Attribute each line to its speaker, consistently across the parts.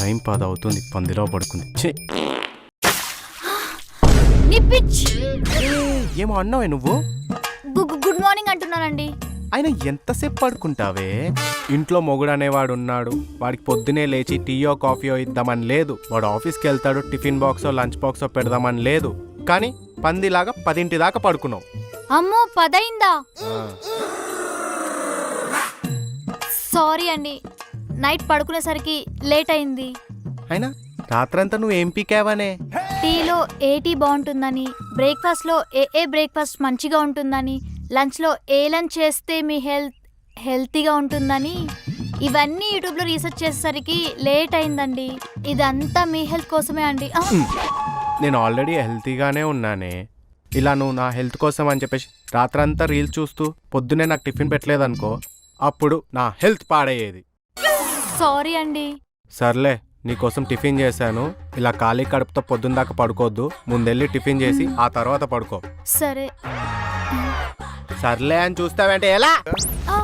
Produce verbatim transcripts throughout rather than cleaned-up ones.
Speaker 1: Time పది అవుతుంది, పందిలో పడుకుంది. ఛీ!
Speaker 2: నీ పిచ్.
Speaker 1: ఏమో అన్నావే నువ్వు?
Speaker 2: గు- గుడ్ మార్నింగ్ అంటున్నానండి.
Speaker 1: ఆయన ఎంతసేపు పడుకుంటావే? ఇంట్లో మొగుడు అనేవాడు ఉన్నాడు, వాడికి పొద్దునే లేచి టీయో కాఫీయో ఇద్దామని లేదు. వాడు ఆఫీస్కి వెళ్తాడు, టిఫిన్ బాక్సో లంచ్ బాక్సో పెడదామని లేదు. కానీ పందిలాగా పదింటి దాకా పడుకున్నావు.
Speaker 2: అమ్మో పదైందా?
Speaker 1: ఆ,
Speaker 2: సారీ అండి, నైట్ పడుకునేసరికి లేట్ అయింది.
Speaker 1: అయినా రాత్రంతా నువ్వు ఏం పీకావనే?
Speaker 2: టీలో ఏ టీ బాగుంటుందని, బ్రేక్ఫాస్ట్లో ఏ ఏ బ్రేక్ఫాస్ట్ మంచిగా ఉంటుందని, లంచ్లో ఏ లంచ్ చేస్తే మీ హెల్త్ హెల్తీగా ఉంటుందని ఇవన్నీ యూట్యూబ్లో రీసెర్చ్ చేసేసరికి లేట్ అయిందండి. ఇదంతా మీ హెల్త్ కోసమే అండి. ఆ,
Speaker 1: నేను ఆల్రెడీ హెల్తీగానే ఉన్నానే. ఇలా నువ్వు నా హెల్త్ కోసం అని చెప్పేసి రాత్రంతా రీల్స్ చూస్తూ పొద్దునే నాకు టిఫిన్ పెట్టలేదనుకో, అప్పుడు నా హెల్త్ పాడయ్యేది.
Speaker 2: సారీ అండి.
Speaker 1: సర్లే, నీకోసం టిఫిన్ చేశాను. ఇలా ఖాళీ కడుపుతో పొద్దున్న దాకా పడుకోవద్దు. ముందెళ్ళి టిఫిన్ చేసి ఆ తర్వాత పడుకో.
Speaker 2: సరే.
Speaker 1: సర్లే అని చూస్తావంటే ఎలా?
Speaker 2: ఆ.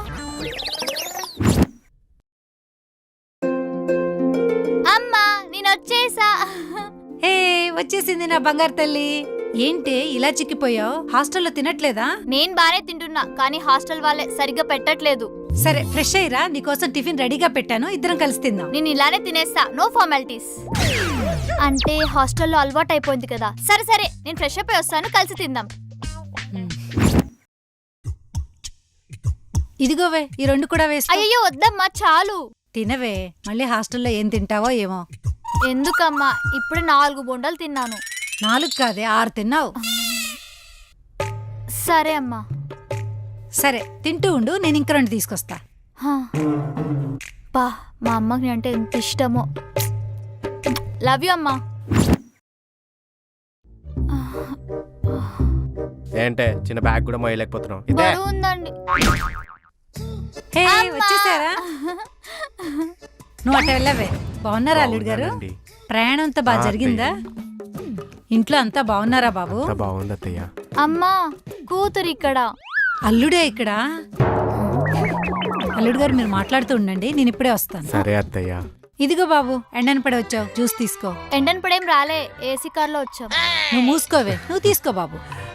Speaker 2: అమ్మా నేను వచ్చేసా.
Speaker 3: హే వచ్చేసింది నా బంగారు తల్లి. ఏంటి ఇలా చిక్కిపోయావు? హాస్టల్లో తినట్లేదా?
Speaker 2: నేను బానే తింటున్నా, కానీ హాస్టల్ వాళ్ళే సరిగ్గా పెట్టట్లేదు.
Speaker 3: సరే ఫ్రెష్ అయ్యిరా, నీకోసం టిఫిన్ రెడీగా పెట్టాను, ఇద్దరం కలిసి తిందాం.
Speaker 2: నేను ఇలానే తినేస్తా, నో ఫార్మాలిటీస్. అంటే హాస్టల్లో అలవాటు అయిపోయింది కదా. సరే సరే, నేను ఫ్రెష్ అప్ అయి వస్తాను, కలిసి తిందాం.
Speaker 3: ఇదిగోవే ఈ రెండు కూడా వేస్తా.
Speaker 2: అయ్యో వద్దమ్మా, చాలు.
Speaker 3: తినవే, మళ్ళీ హాస్టల్లో ఏం తింటావో ఏమో.
Speaker 2: ఎందుకమ్మా, ఇప్పుడు నాలుగు బొండాలు తిన్నాను.
Speaker 3: నాలుగు కాదే ఆరు తిన్నావు.
Speaker 2: సరే అమ్మా.
Speaker 3: సరే తింటూ ఉండు, నేను ఇంక రెండు తీసుకొస్తా.
Speaker 2: హా. పా మా అమ్మకి అంటే ఎంత ఇష్టమో. లవ్ యూ అమ్మా.
Speaker 1: ఏంటే చిన్న బ్యాగ్ కూడా మోయలేకపోతున్నావు? ఇదే
Speaker 2: బరువు ఉందండి.
Speaker 3: హే
Speaker 2: అమ్మా.
Speaker 3: వచ్చేసారా? నువ్వు అట్ట వెళ్ళవే. బాగున్నారా అల్లుడు గారు?
Speaker 1: బాగున్నానండి.
Speaker 3: ప్రయాణం అంతా బాగా
Speaker 1: ఆ,
Speaker 3: జరిగిందా? ఇంట్లో అంతా బాగున్నారా బాబు?
Speaker 1: అంతా బాగుంది అత్తయ్య.
Speaker 2: అమ్మా కూతురు ఇక్కడ.
Speaker 3: అల్లుడే ఇక్కడ? అల్లుడు గారు మీరు మాట్లాడుతూ ఉండండి, నేను ఇప్పుడే వస్తాను.
Speaker 1: సరే అత్తయ్య.
Speaker 3: ఇదిగో బాబు, ఎండన పడి వచ్చావు, జ్యూస్ తీసుకో.
Speaker 2: ఎండన్ పడేం రాలే, ఏసీ కార్లో వచ్చాం.
Speaker 3: నువ్వు మూసుకోవే, నువ్వు తీసుకో బాబు.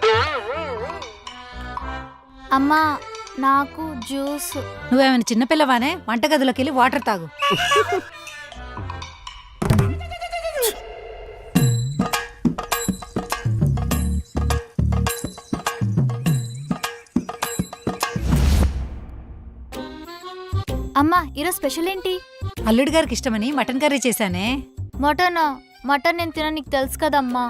Speaker 2: అమ్మా నాకు జ్యూస్.
Speaker 3: నువ్వేమైనా చిన్నపిల్లవానే? వంటగదిలోకి వెళ్ళి వాటర్ తాగు.
Speaker 2: అమ్మా ఈరోజు స్పెషల్ ఏంటి?
Speaker 3: అల్లుడు గారికి ఇష్టమని మటన్ కర్రీ చేశానే.
Speaker 2: మటన్. మటన్ నేను తిన, నీకు తెలుసు కదమ్మా.